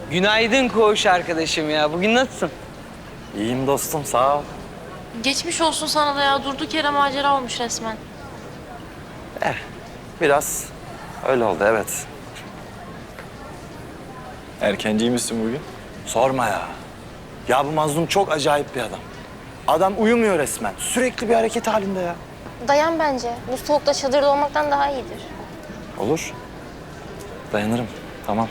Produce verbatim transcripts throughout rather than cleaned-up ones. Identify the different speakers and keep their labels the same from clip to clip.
Speaker 1: Günaydın koğuş arkadaşım ya. Bugün nasılsın?
Speaker 2: İyiyim dostum, sağ ol.
Speaker 3: Geçmiş olsun sana da ya. Durduk yere macera olmuş resmen.
Speaker 2: Eh, biraz öyle oldu, evet.
Speaker 4: Erkenciymişsin bugün.
Speaker 2: Sorma ya. Ya bu Mazlum çok acayip bir adam. Adam uyumuyor resmen. Sürekli bir hareket halinde ya.
Speaker 5: Dayan bence. Bu soğukta çadırda olmaktan daha iyidir.
Speaker 2: Olur. Dayanırım, tamam.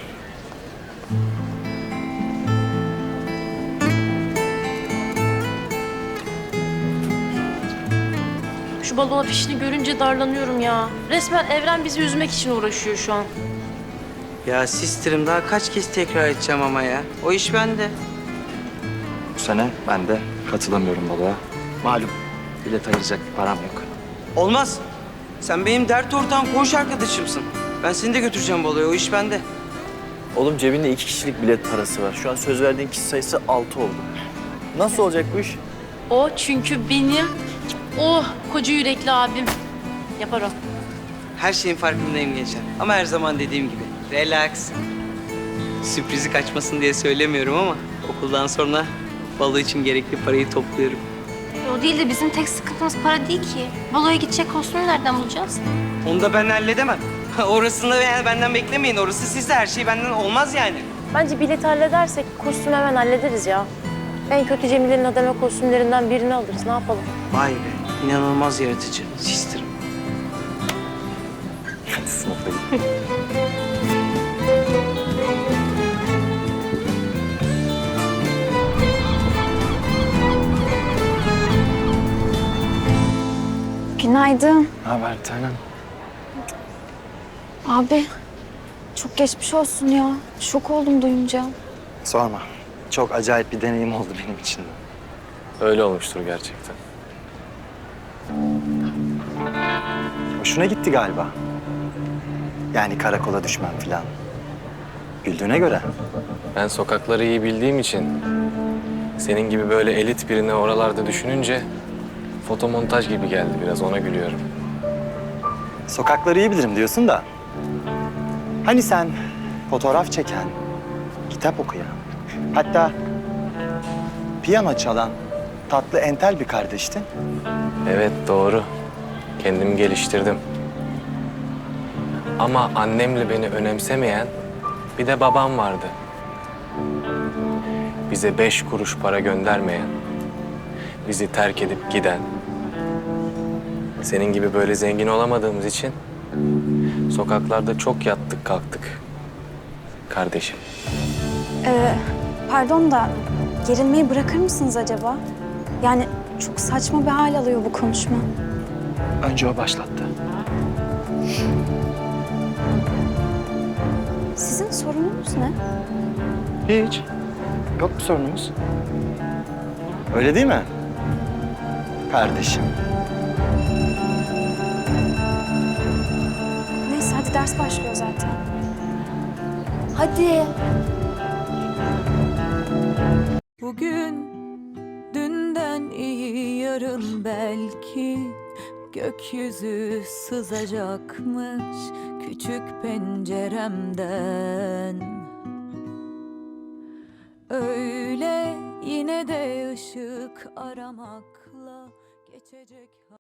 Speaker 3: Şu balon afişini görünce darlanıyorum ya. Resmen evren bizi üzmek için uğraşıyor şu an.
Speaker 1: Ya sistirim daha kaç kez tekrar edeceğim ama ya. O iş bende.
Speaker 2: Bu sene ben de katılamıyorum baloya. Malum, bilet ayıracak bir param yok.
Speaker 1: Olmaz. Sen benim dert ortağım, koğuş arkadaşımsın. Ben seni de götüreceğim baloya. O iş bende.
Speaker 4: Oğlum cebinde iki kişilik bilet parası var. Şu an söz verdiğin kişi sayısı altı oldu. Nasıl olacak bu iş?
Speaker 3: O çünkü benim, oh koca yürekli abim. Yapar o.
Speaker 1: Her şeyin farkındayım gençler. Ama her zaman dediğim gibi. Relax. Sürprizi kaçmasın diye söylemiyorum ama okuldan sonra balo için gerekli parayı topluyorum.
Speaker 5: O değil de bizim tek sıkıntımız para değil ki. Baloya gidecek kostümü nereden bulacağız?
Speaker 1: Onu da ben halledemem. Orasını da yani benden beklemeyin. Orası sizde. Her şey benden olmaz yani.
Speaker 6: Bence bileti halledersek kostümü hemen hallederiz ya. En kötü Cemile'nin adama kostümlerinden birini alırız. Ne yapalım?
Speaker 1: Vay be. İnanılmaz yaratıcı. Sistirim.
Speaker 2: Hadi sınıfa git.
Speaker 7: Günaydın.
Speaker 2: Ne haber bir tanem?
Speaker 7: Abi, çok geçmiş olsun ya. Şok oldum duyunca.
Speaker 2: Sorma. Çok acayip bir deneyim oldu benim için de.
Speaker 4: Öyle olmuştur gerçekten.
Speaker 2: Hoşuna gitti galiba. Yani karakola düşmem falan. Güldüğüne göre.
Speaker 4: Ben sokakları iyi bildiğim için senin gibi böyle elit birini oralarda düşününce fotomontaj gibi geldi biraz, ona gülüyorum.
Speaker 2: Sokakları iyi bilirim diyorsun da. Hani sen fotoğraf çeken, kitap okuyan, hatta piyano çalan tatlı entel bir kardeştin.
Speaker 4: Evet, doğru. Kendimi geliştirdim. Ama annemle beni önemsemeyen bir de babam vardı. Bize beş kuruş para göndermeyen, bizi terk edip giden. Senin gibi böyle zengin olamadığımız için sokaklarda çok yattık kalktık kardeşim.
Speaker 7: Ee, pardon da gerilmeyi bırakır mısınız acaba? Yani çok saçma bir hal alıyor bu konuşma.
Speaker 2: Önce o başlattı.
Speaker 7: Sizin sorununuz ne?
Speaker 2: Hiç. Yok bir sorunumuz. Öyle değil mi? Kardeşim.
Speaker 7: Neyse hadi ders başlıyor zaten. Hadi.
Speaker 8: Bugün dünden iyi, yarın belki gökyüzü sızacakmış küçük penceremden. Öyle yine de ışık aramakla geçecek.